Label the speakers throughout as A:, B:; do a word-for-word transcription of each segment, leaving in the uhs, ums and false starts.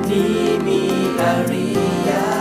A: นี้มีอริยา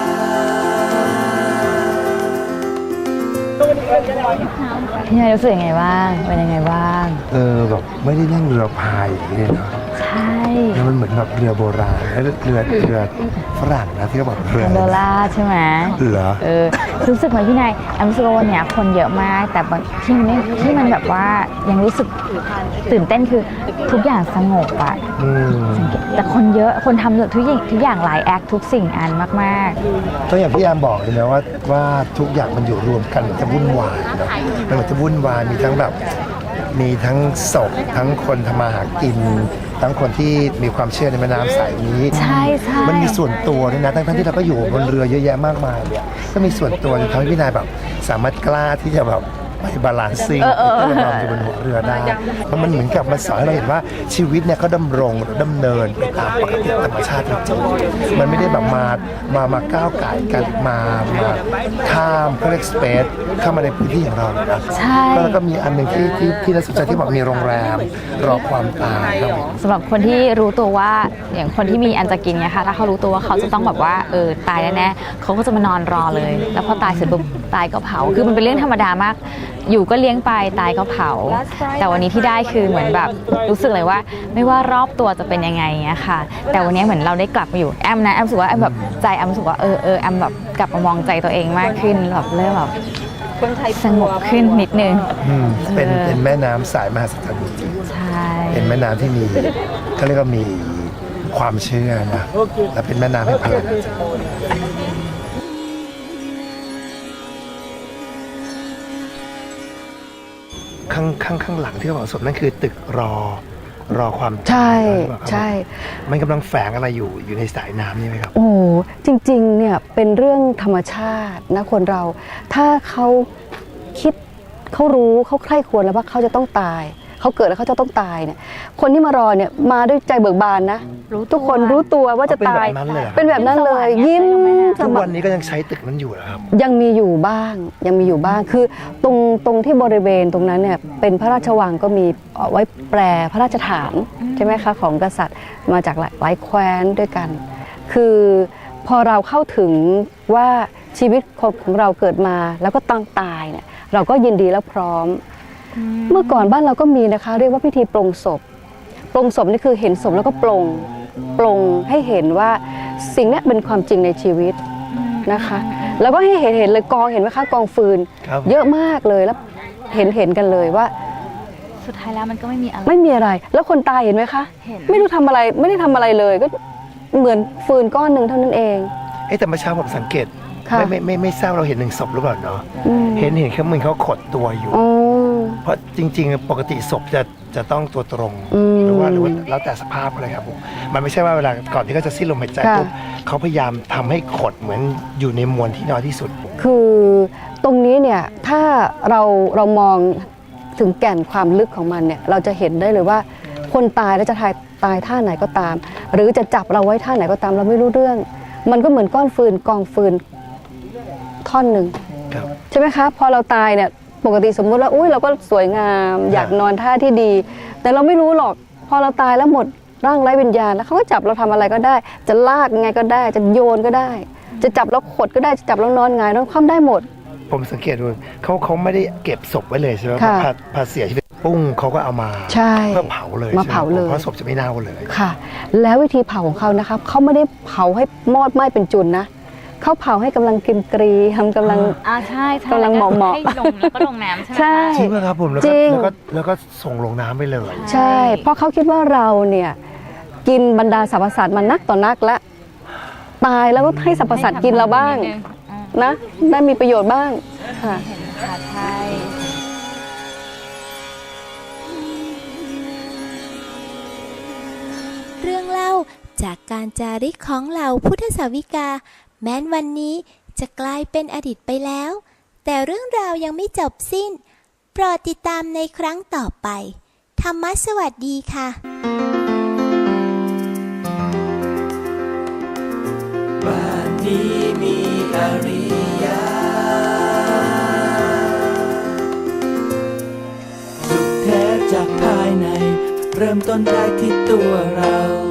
B: พี่นายรู้สึกยังไงบ้างเป็นยังไงบ้าง
C: เออแบบไม่ได้นั่งเรือพายอย่างนี้เลยเนาะ
B: ใช่
C: แล้วมันเหมือนแบบเรือโบราณแล้วเรือเรือฝรั่งนะที่เขาบอกเรือ
B: คอนโดล่าใช่ไหม
C: เหรอ
B: เออรู้สึกเหมือนพี่นายแอมรู้สึกว่าวันนี้คนเยอะมากแต่ที่มันที่มันแบบว่ายังรู้สึกตื่นเต้นคือทุกอย่างสงบอะแต่คนเยอะคนทำทุกอย่างทุกอย่างหลายแอคทุกสิ่งอันมาก
C: ๆก็อย่างพี่แอมบอกเลยนะว่าว่าทุกอย่างมันอยู่รวมกันมันจะวุ่นวายเนาะมันเหมือนจะวุ่นวายมีทั้งแบบมีทั้งศพทั้งคนทำมาหากินทั้งคนที่มีความเชื่อในแม่น้ำสายนี้
B: ใช่ใช่
C: มันมีส่วนตัวด้วยนะทั้งที่เราก็อยู่บนเรือเยอะแยะมากมายเนี่ยก็มีส่วนตัวทำให้พี่นายแบบสามารถกล้าที่จะแบบไปบาลานซิ่งเพื่อเราอยู่บนหัวเรือได้เพราะมันเหมือนกับมันสอนให้เราเห็นว่าชีวิตเนี่ยก็ดำรงดำเนินไปตามปกติธรรมชาติจริงๆมันไม่ได้แบบมามามาก้าวไก่กันมามาข้ามเขาเรียกสเปซเข้ามาในพื้นที่ของเราเลยนะ
B: ใช่
C: แล้วก็มีอันหนึ่งที่ที่ที่น่าสนใจที่บอกมีโรงแรมรอความตาย
B: สำหรับคนที่รู้ตัวว่าอย่างคนที่มีอันจะกินเนี่ยค่ะถ้าเขารู้ตัวว่าเขาจะต้องแบบว่าเออตายแน่ๆเขาก็จะมานอนรอเลยแล้วพอตายเสร็จปุ๊บตายก็เผาคือมันเป็นเรื่องธรรมดามากอยู่ก็เลี้ยงไปตายก็เผาแต่วันนี้ที่ได้คือเหมือนแบบรู้สึกเลยว่าไม่ว่ารอบตัวจะเป็นยังไงเงี้ยค่ะแต่วันนี้เหมือนเราได้กลับมาอยู่แอมนะแอมรู้สึกว่าแอมแบบใจแอมรู้สึกว่าเออเออแอมแบบกลับมามองใจตัวเองมากขึ้นแบบเริ่มแบบสงบขึ้นนิดนึง
C: เป็นเป็นแม่น้ำสายมหัศจรรย์จริง
B: ใช่
C: เป็นแม่น้ำที่มีเขาเรียกว่ามีความเชื่อนะและเป็นแม่น้ำแห่งพลังข้างข้างข้างหลังที่เขาบอกศพนั่นคือตึกรอรอความ
D: ใช่ใช่
C: มันกำลังแฝงอะไรอยู่อยู่ในสายน้ำนี่ไหมครับ
D: โอ้จริงๆเนี่ยเป็นเรื่องธรรมชาตินะคนเราถ้าเขาคิดเขารู้เขาใคร่ควรแล้วว่าเขาจะต้องตายเขาเกิดแล้วเขาจะต้องตายเนี่ยคนที่มารอเนี่ยมาด้วยใจเบิกบานนะทุกคนรู้ตัวว่าจะตายเป็นแบบนั้นเลยยิ้ม
C: ทุกวันนี้ก็ยังใช้ตึกนั้นอยู่เหรอครับ
D: ยังมีอยู่บ้างยังมีอยู่บ้างคือตรงตรงที่บริเวณตรงนั้นเนี่ยเป็นพระราชวังก็มีไว้แปรพระราชฐานใช่ไหมคะของกษัตริย์มาจากหลายแคว้นด้วยกันคือพอเราเข้าถึงว่าชีวิตของเราเกิดมาแล้วก็ต้องตายเนี่ยเราก็ยินดีและพร้อมเมื่อก่อนบ้านเราก็มีนะคะเรียกว่าพิธีปลงศพปลงศพนี่คือเห็นศพแล้วก็ปลงปลงให้เห็นว่าสิ่งนี้เป็นความจริงในชีวิตนะคะแล้วก็ให้เห็นเห็นเลยกองเห็นไหมคะกองฟืนเยอะมากเลยแล้วเห็นเห็นกันเลยว่า
B: สุดท้ายแล้วมันก็ไม่มีอะไร
D: ไม่มีอะไรแล้วคนตายเห็นไหมคะไม่รู้ทำอะไรไม่ได้ทำอะไรเลยก็เหมือนฟืนก้อนหนึ่งเท่านั้นเอง
C: เอ๊ะแต่เมื่อเช้าผมสังเกตไม่ไม่ไม่ไม่ทราบเราเห็นหนึ่งศพหรือเปล่าเนาะเห็นเห็นแค่เหมือนเขาขดตัวอยู่เพราะจริงๆปกติศพจะจะต้องตัวตรงหรือว่าหรือว่าแล้วแต่สภาพอะไรครับผมมันไม่ใช่ว่าเวลาก่อนที่เขาจะสิ้นลมหายใจปุ๊บเขาพยายามทำให้ขดเหมือนอยู่ในมวลที่น้อยที่สุด
D: คือตรงนี้เนี่ยถ้าเราเรามองถึงแก่นความลึกของมันเนี่ยเราจะเห็นได้เลยว่าคนตายแล้วจะตายตายท่าไหนก็ตามหรือจะจับเราไว้ท่าไหนก็ตามเราไม่รู้เรื่องมันก็เหมือนก้อนฟืนกองฟืนท่อนหนึ่งใช่ไหมคะพอเราตายเนี่ยปกติสมมุติว่าอุ้ยเราก็สวยงามอยากนอนท่าที่ดีแต่เราไม่รู้หรอกพอเราตายแล้วหมดร่างไร้วิญญาณแล้วเขาก็จับเราทำอะไรก็ได้จะลากยังไงก็ได้จะโยนก็ได้จะจับเราขดก็ได้จะจับเรานอนหงายนอนคว่ำได้หมด
C: ผมสังเกตดูเขาเขาไม่ได้เก็บศพไว้เลยใช่ไหมพอพอเสียชีวิตปุ้งเขาก็เอามาเพื่อเผาเลย
D: มาเผาเลย
C: เพราะศพจะไม่เน่าเลย
D: ค่ะแล้ววิธีเผาของเขานะคะเขาไม่ได้เผาให้มอดไหม้เป็นจุนนะเขาเผาให้กำลังกิมกรีทำกำลัง
B: อ่าใช่
D: กำลังเหมาะเหมาะ
B: ให้ลงแล้วก็ลงน้ำใช่ไหม
D: ใช่
C: จริงไหมครับผมแล้วก็แล้วก็แล้วก็ส่งลงน้ำไปเลย
D: ใช่เพราะเขาคิดว่าเราเนี่ยกินบรรดาสรรพสัตว์มานักต่อนักแล้วตายแล้วก็ให้สรรพสัตว์กินเราบ้างนะได้มีประโยชน์บ้างค่ะ
B: ใช่
E: เรื่องเล่าจากการจาริกของเหล่าพุทธสาวิกาแม้นวันนี้จะกลายเป็นอดีตไปแล้วแต่เรื่องราวยังไม่จบสิ้นโปรดติดตามในครั้งต่อไปธรรมะสวัสดีค่ะ
A: บ้านนี้มีอริยาสุขแท้จากภายในเริ่มต้นได้ที่ตัวเรา